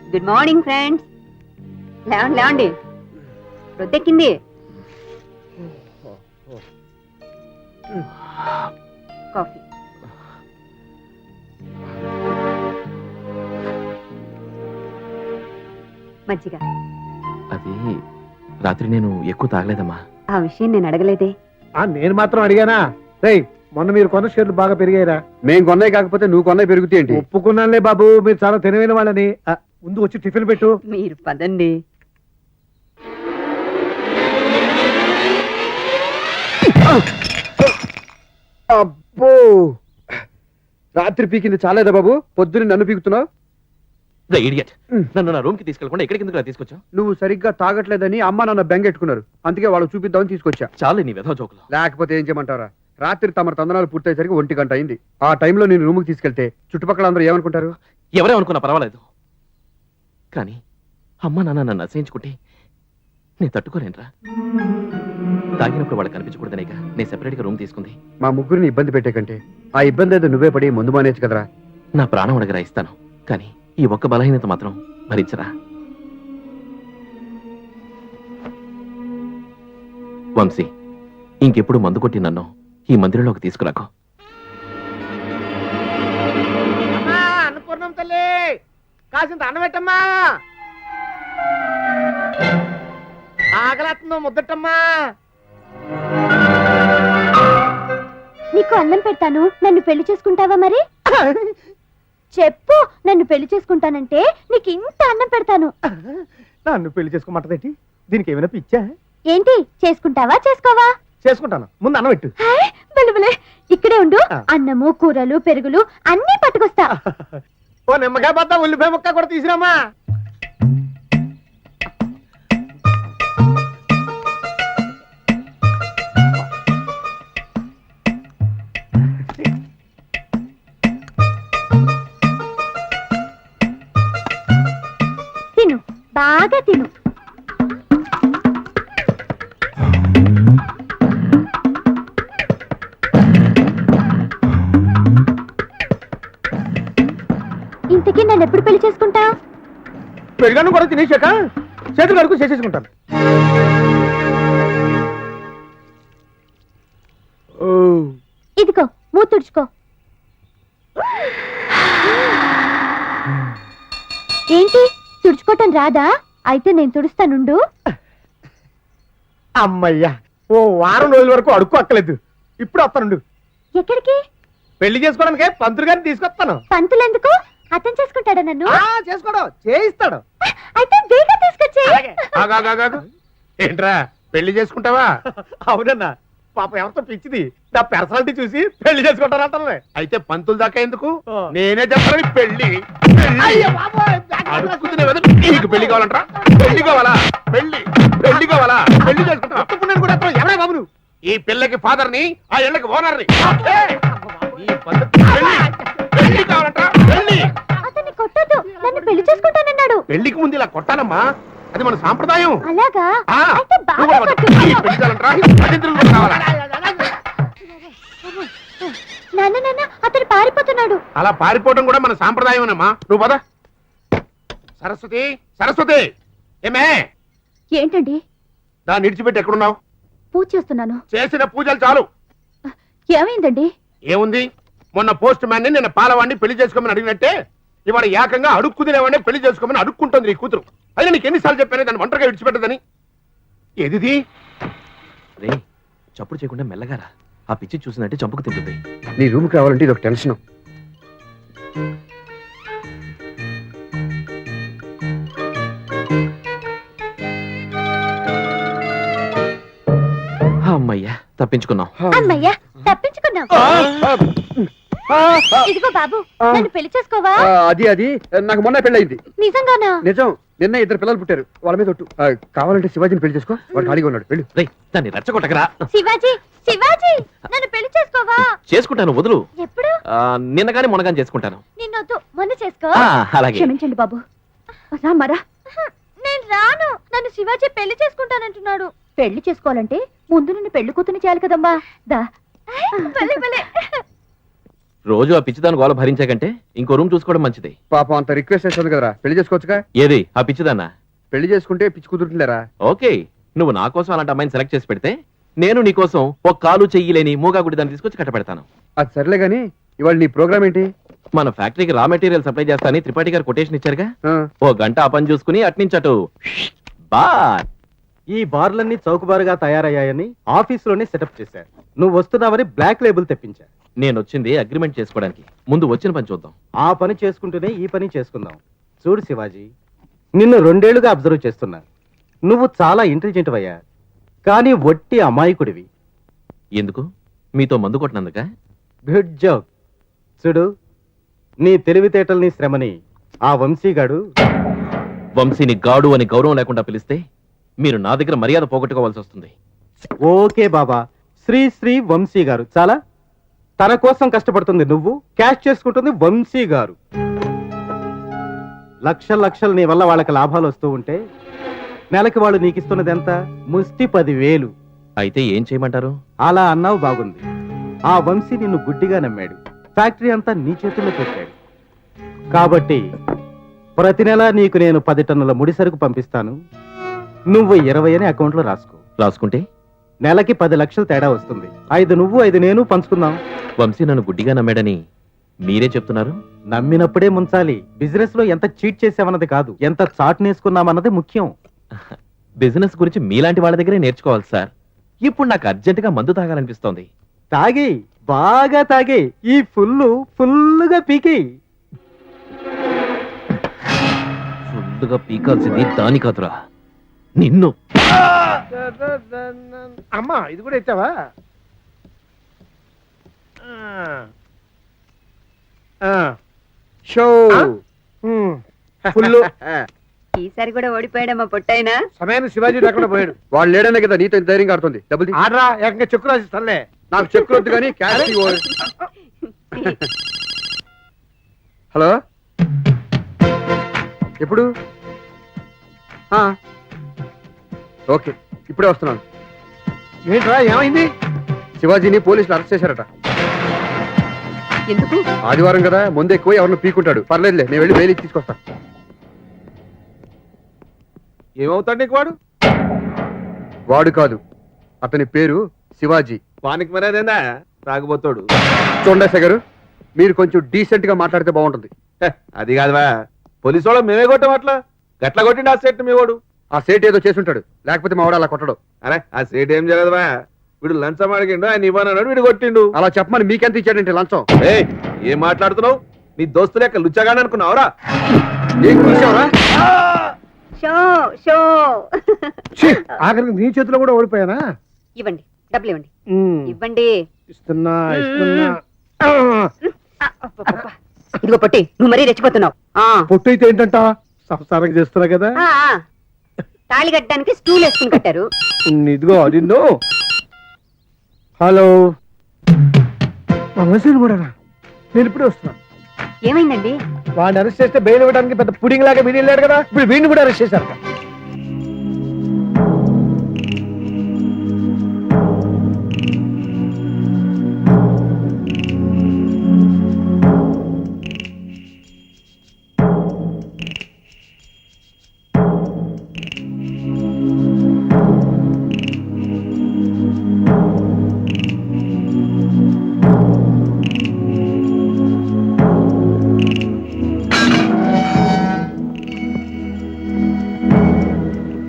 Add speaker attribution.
Speaker 1: Good morning friends. లేవండి లేవండి, రొద్దెక్కింది. Coffee. మజ్జిగ.
Speaker 2: అది రాత్రి నేను ఎక్కువ తాగలేదమ్మా.
Speaker 1: ఆ విషయం నేను అడగలేదే.
Speaker 3: నేను మాత్రం అడిగానా? రేయ్, మొన్న మీరు కొన్న షేర్లు బాగా పెరిగాయిరా.
Speaker 4: మేం కొన్నాయి కాకపోతే నువ్వు కొన్నాయి పెరుగుతాయేంటి?
Speaker 3: ఒప్పుకున్నానులే బాబు, మీరు చాలా తెలివైన వాళ్ళని. ముందు వచ్చి టిఫిన్ పెట్టు.
Speaker 1: మీరు పదండి.
Speaker 4: అబ్బో, రాత్రి పీకింది చాలేదా బాబు? పొద్దున్న నన్ను పీకుతున్నావు.
Speaker 2: ఇడియట్, నన్ను నా రూమ్ కి తీసుకెళ్ళకుండా ఎక్కడికి ఎందుకు తీసుకొచ్చా?
Speaker 4: నువ్వు సరిగ్గా తాగట్లేదని అమ్మ నాన్న బెంగెట్టుకున్నారు, అందుకే వాళ్ళు చూపిద్దామని తీసుకొచ్చా.
Speaker 2: చాలు నీ వెధవ జోకులు.
Speaker 4: లేకపోతే ఏం చేయమంటారా? రాత్రి తమ తందనాలు పూర్తయ్యేసరికి 1 గంట అయింది. ఆ టైంలో నేను రూమ్కి తీసుకెళ్తే చుట్టుపక్కల అందరూ ఏమనుకుంటారు?
Speaker 2: ఎవరే అనుకున్నా పర్వాలేదు, కానీ అమ్మ నాన్న నన్ను అసహించుకుంటే నేను తట్టుకోలేనురా. తాగినప్పుడు వాళ్ళు కనిపించకూడదనేగా నేను సెపరేట్గా రూమ్ తీసుకుంది.
Speaker 4: మా ముగ్గురిని ఇబ్బంది పెట్టే కంటే ఆ ఇబ్బంది ఏదో నువ్వే పడి ముందు మానేచ్చు కదరా.
Speaker 2: నా ప్రాణం అడగరా ఇస్తాను, కానీ ఈ ఒక్క బలహీనత మాత్రం భరించరా. వంశీ, ఇంకెప్పుడు మందు కొట్టి నన్ను ఈ మందిరంలోకి తీసుకురాకు.
Speaker 3: అనుకున్నాం తల్లి, కాసింత అన్నం పెట్టమ్మా. ఆకలేస్తుందో ముద్దటమ్మా.
Speaker 5: నీకు అన్నం పెడతాను, నన్ను పెళ్లి చేసుకుంటావా? మరి చెప్పు, నన్ను పెళ్లి చేసుకుంటానంటే నీకు ఇంత అన్నం పెడతాను.
Speaker 3: నన్ను పెళ్లి చేసుకోమంటదేంటి? దీనికి ఏమైనా పిచ్చా?
Speaker 5: ఏంటి, చేసుకుంటావా చేసుకోవా?
Speaker 3: చేసుకుంటాను, ముందు అన్నం పెట్టు.
Speaker 5: బలబలే, ఇక్కడే ఉండు. అన్నము కూరలు పెరుగులు అన్నీ పట్టుకొస్తా.
Speaker 3: ఓ నిమ్మకాయ బద్ద ఉల్లిపాయ ముక్క కూడా తీసిరామా.
Speaker 5: తిను, బాగా తిను. ఇంతకీ నన్ను ఎప్పుడు పెళ్లి చేసుకుంటా?
Speaker 3: పెరుగన్నం కూడా తినేసాక చేతులు కడుకు చేసేసుకుంటాను.
Speaker 5: ఇదిగో మూతి తుడుచుకో. ఏంటి, తుడుచుకోవటం రాదా? అయితే నేను తుడుస్తానుండు.
Speaker 3: అమ్మయ్యా, ఓ వారం రోజుల వరకు అడుక్కు అక్కలేదు. ఇప్పుడు వస్తానుండు.
Speaker 5: ఎక్కడికి?
Speaker 3: పెళ్లి చేసుకోవడానికే పంతులు గారిని తీసుకొస్తాను.
Speaker 5: పంతులెందుకు? అర్థం చేసుకుంటాడా నన్ను?
Speaker 3: చేసుకోడు, చేయిస్తాడు.
Speaker 5: అయితే బేగా తీసుకొచ్చే.
Speaker 4: ఏంట్రా, పెళ్లి చేసుకుంటావా?
Speaker 3: అవునన్నా, పాప ఎవరితో పిచ్చిది. నా పర్సనాలిటీ చూసి పెళ్లి చేసుకుంటానంటే.
Speaker 4: అయితే పంతులు దాకా ఎందుకు? నేనే చెప్పాను పెళ్లి. నీకు పెళ్లి కావాలంటరా? పెళ్లి కావాలా? పెళ్లి పెళ్లి కావాలా? పెళ్లి చేసుకుంటా.
Speaker 3: ఎవరా బాబు నువ్వు?
Speaker 4: ఈ పిల్లకి ఫాదర్ ని, ఆ ఇళ్ళకి ఓనర్ ని. ఈ పద్ధతి పెళ్లి కావాలంటరా? పెళ్లి.
Speaker 5: అతన్ని కొట్టొద్దు, నన్ను పెళ్లి చేసుకుంటానన్నాడు.
Speaker 4: పెళ్లికి ముందు ఇలా కొట్టాలమ్మా, అది మన సాంప్రదాయం.
Speaker 5: అలాగా?
Speaker 4: ఆ,
Speaker 5: అయితే బాగా కొట్టు.
Speaker 4: ఈ పెళ్లి కావాలంటరా? అతిథులు కావాలా?
Speaker 5: నాన్న నాన్న, అతను పారిపోతున్నాడు.
Speaker 4: అలా పారిపోవడం కూడా మన సాంప్రదాయమేనమ్మా. నువ్వు పద. సరస్వతి, సరస్వతి, ఏమే?
Speaker 5: ఏంటండి?
Speaker 4: దాన్ని విడిచిపెట్టి ఎక్కడున్నావు?
Speaker 5: పూజ చేస్తున్నాను.
Speaker 4: చేసిన పూజలు చాలు.
Speaker 5: ఏమైందండి?
Speaker 4: ఏముంది, మొన్న పోస్ట్ మ్యాన్ ని నిన్న పాలవాడిని పెళ్లి చేసుకోమని అడిగినట్టే ఇవాళ ఏకంగా అడుక్కునేవాడిని పెళ్లి చేసుకోమని అడుక్కుంటుంది నీ కూతురు. అయినా నీకు ఎన్నిసార్లు చెప్పాను దాన్ని ఒంటరిగా విడిచిపెట్టదని? ఏదిది?
Speaker 2: రే, చప్పుడు చేయకుండా మెల్లగారా. ఆ పిచ్చి చూసినట్టే చంపుకు తింటుంది.
Speaker 4: నీ రూమ్కి రావాలంటే ఇది ఒక టెన్షన్.
Speaker 2: అమ్మయ్యా, తప్పించుకున్నాం.
Speaker 5: అమ్మయ్యా, తప్పించుకున్నాం. ఇదిగో బాబు, నన్ను పెళ్లి చేసుకోవా?
Speaker 4: అది అది నాకు మొన్న పెళ్ళయింది.
Speaker 5: నిజంగానా?
Speaker 4: నిజం, నిన్న 2 పిల్లలు పుట్టారు. వాళ్ళ మీద ఒట్టు. కావాలంటే శివాజీని పెళ్లి చేసుకో, వాడు ఖాళీగా ఉన్నాడు. వెళ్ళు.
Speaker 2: రేయ్, దాన్ని రెచ్చగొట్టకరా.
Speaker 5: శివాజీ, శివాజీ, నన్ను పెళ్లి చేసుకోవా?
Speaker 2: చేసుకుంటాను, వదులు.
Speaker 5: ఎప్పుడు?
Speaker 2: నిన్న గాని మొన్న గాని చేసుకుంటాను.
Speaker 5: నిన్నొద్దు, మొన్న చేసుకో.
Speaker 2: అలాగే.
Speaker 5: క్షమించండి బాబు. రామరా. నేను రాను. నన్ను శివాజీ పెళ్లి చేసుకుంటానంటున్నాడు. పెళ్లి చేసుకోవాలంటే ముందు నిన్ను పెళ్లి కూతుని చేయాలి కదమ్మా. దా.
Speaker 2: రోజు ఆ పిచ్చిదాని గోల భరించే కంటే ఇంకో రూమ్ చూసుకోవడం మంచిది.
Speaker 4: పాపం అంత రిక్వెస్ట్ చేస్తుంది కదరా, పెళ్లి చేసుకోవచ్చుగా.
Speaker 2: ఏది ఆ పిచ్చిదాన్నా?
Speaker 4: పెళ్లి చేసుకుంటే పిచ్చి కుదురుతుందిలేరా.
Speaker 2: ఓకే, నువ్వు నా కోసం అలాంటి అమ్మాయిని సెలెక్ట్ చేసి పెడితే నేను నీ కోసం ఒక కాలు చెయ్యి లేని మూగా గుడి దాన్ని తీసుకొచ్చి కట్టపెడతాను.
Speaker 4: అది సర్లే గాని ఇవాళ నీ ప్రోగ్రామ్ ఏంటి?
Speaker 2: మన ఫ్యాక్టరీకి రా మెటీరియల్ సప్లై చేస్తానని త్రిపాఠి గారు కొటేషన్ ఇచ్చారుగా.
Speaker 4: ఆ,
Speaker 2: ఓ గంట ఆ పని చూసుకుని అట్నుంచి అటు బార్.
Speaker 6: ఈ బార్లన్నీ చౌకబారుగా తయారయ్యాయని ఆఫీసులోనే సెటప్ చేశారు. నువ్వు వస్తున్నావని బ్లాక్ లేబుల్ తెప్పించా.
Speaker 2: నేను వచ్చింది అగ్రిమెంట్ చేసుకోవడానికి. ముందు వచ్చిన పని చూద్దాం.
Speaker 6: ఆ పని చేసుకుంటూనే ఈ పని చేసుకుందాం. చూడు శివాజీ, నిన్ను 2 ఏళ్లుగా అబ్జర్వ్ చేస్తున్నా. నువ్వు చాలా ఇంటెలిజెంట్ అయ్యా, కానీ వట్టి అమాయకుడివి.
Speaker 2: ఎందుకు? మీతో మందు కొట్టినందుక?
Speaker 6: Good job. చూడు, నీ తెలివితేటల్ని శ్రమని ఆ వంశీగాడు
Speaker 2: వంశీని గాడు అని గౌరవం లేకుండా పిలిస్తే మీరు నా దగ్గర మర్యాద పోగొట్టుకోవాల్సి వస్తుంది.
Speaker 6: ఓకే బాబా, శ్రీ శ్రీ వంశీ గారు చాలా. తన కోసం కష్టపడుతుంది నువ్వు, క్యాష్ చేసుకుంటుంది వంశీ గారు. లక్షలు నీ వల్ల వాళ్ళకి లాభాలు వస్తూ ఉంటే నెలకి వాళ్ళు నీకు ఇస్తున్నది ఎంత? ముష్టి 10,000.
Speaker 2: అయితే ఏం చేయమంటారు?
Speaker 6: అలా అన్నావు బాగుంది. ఆ వంశీ నిన్ను గుడ్డిగా నమ్మాడు. ఫ్యాక్టరీ అంతా నీ చేతుల్లో పెట్టాడు. కాబట్టి ప్రతి నెల నీకు నేను 10 టన్నుల ముడి సరుకు పంపిస్తాను. నువ్వు 20 అని అకౌంట్లో రాసుకో.
Speaker 2: రాసుకుంటే
Speaker 6: నెలకి 10 లక్షలు తేడా వస్తుంది. 5 నువ్వు 5 నేను పంచుకుందాం.
Speaker 2: వంశీ నన్ను గుడ్డిగా నమ్మాడని మీరే చెప్తున్నారు.
Speaker 6: నమ్మినప్పుడే ముంచాలి. బిజినెస్ లో ఎంత చీట్ చేసామన్నది కాదు, ఎంత చాట్ నేర్చుకున్నామన్నది ముఖ్యం.
Speaker 2: బిజినెస్ గురించి మీలాంటి వాళ్ళ దగ్గరే నేర్చుకోవాలి సార్. ఇప్పుడు నాకు అర్జెంటుగా మందు తాగాలనిపిస్తోంది.
Speaker 6: తాగి, బాగా తాగి, ఈ ఫుల్లుగా పీకి.
Speaker 2: ఫుల్లుగా పీకాల్సింది దాని కాదురా, నిన్ను.
Speaker 3: అమ్మా ఇది కూడా ఎత్తావా?
Speaker 4: షో
Speaker 3: ఫుల్
Speaker 1: ఈసారి కూడా ఓడిపోయాడమ్మా పొట్టైనా.
Speaker 3: సమయాన్ని శివాజీ లేకుండా పోయాడు.
Speaker 4: వాళ్ళు లేడనే కదా నీతో ఇంత ధైర్యంగా ఆడుతుంది. డబ్బులు తీ.
Speaker 3: ఆడరా ఏకంగా చెక్కు రాసిస్తానులే.
Speaker 4: నాకు చెక్ వద్దు కానీ క్యాష్ ఇవ్వు. హలో, ఎప్పుడు? ఆ, ఓకే, ఇప్పుడే వస్తున్నాను.
Speaker 3: ఏంట్రా ఏమైంది?
Speaker 4: శివాజీని పోలీసులు అరెస్ట్ చేశారట.
Speaker 1: ఎందుకు?
Speaker 4: ఆదివారం కదా, ముందు ఎక్కువ ఎవరిని పీకుంటాడు. పర్లేదులే, నేను వెళ్ళి బెయిల్ తీసుకొస్తా.
Speaker 3: ఏమవుతాడు నీకు వాడు?
Speaker 4: వాడు కాదు, అతని పేరు శివాజీ.
Speaker 3: వానికి మరేదేందా తాగుబోతాడు.
Speaker 4: చూడండి గారు, మీరు కొంచెం డీసెంట్ గా మాట్లాడితే బాగుంటుంది.
Speaker 3: అది కాదువా, పోలీసు వాళ్ళు మేమే కొట్టాం. అట్లా గట్ల కొట్టిండి ఆ సెట్ మీ వాడు.
Speaker 4: ఆ సేట్ ఏదో చేసుంటాడు, లేకపోతే మా వాడు అలా కొట్టడు.
Speaker 3: అరే ఆ సెట్ ఏం జరగదువా, వీడు లంచం అడిగిండు, ఆయన ఇవ్వనన్నాడు, వీడు కొట్టిండు.
Speaker 4: అలా చెప్పమని మీకెంత ఇచ్చాడంటే లంచం?
Speaker 3: ఏయ్ ఏం మాట్లాడుతున్నావు? నీ దోస్తు లెక్క లుచ్చగానే అనుకున్నావురా?
Speaker 4: ఏం చూసావురా?
Speaker 1: Show show.
Speaker 3: ఆఖరికి నీ చేతిలో కూడా ఓడిపోయానా?
Speaker 1: ఇవ్వండి, డబ్బులు ఇవ్వండి. ఇవ్వండి.
Speaker 3: ఇస్తున్నా.
Speaker 1: అబ్బబ్బబ్బ. ఇదిగో పొట్టి, నువ్వు మరీ రెచ్చిపోతున్నావు.
Speaker 3: పొట్టు అయితే ఏంటంట, సంసారం చేస్తున్నా కదా.
Speaker 1: తాళి కట్టడానికి స్టూల్ వేసుకుని కట్టారు.
Speaker 3: ఇదిగో నిన్ను. హలో మెసేజ్ కూడా నేను ఇప్పుడే వస్తున్నా.
Speaker 1: ఏమైందండి?
Speaker 3: వాడిని అరెస్ట్ చేస్తే బెయిల్ ఇవ్వడానికి పెద్ద పుడింగ్ లాగా వీడి వెళ్ళాడు కదా, ఇప్పుడు వీడిని కూడా అరెస్ట్ చేశారు.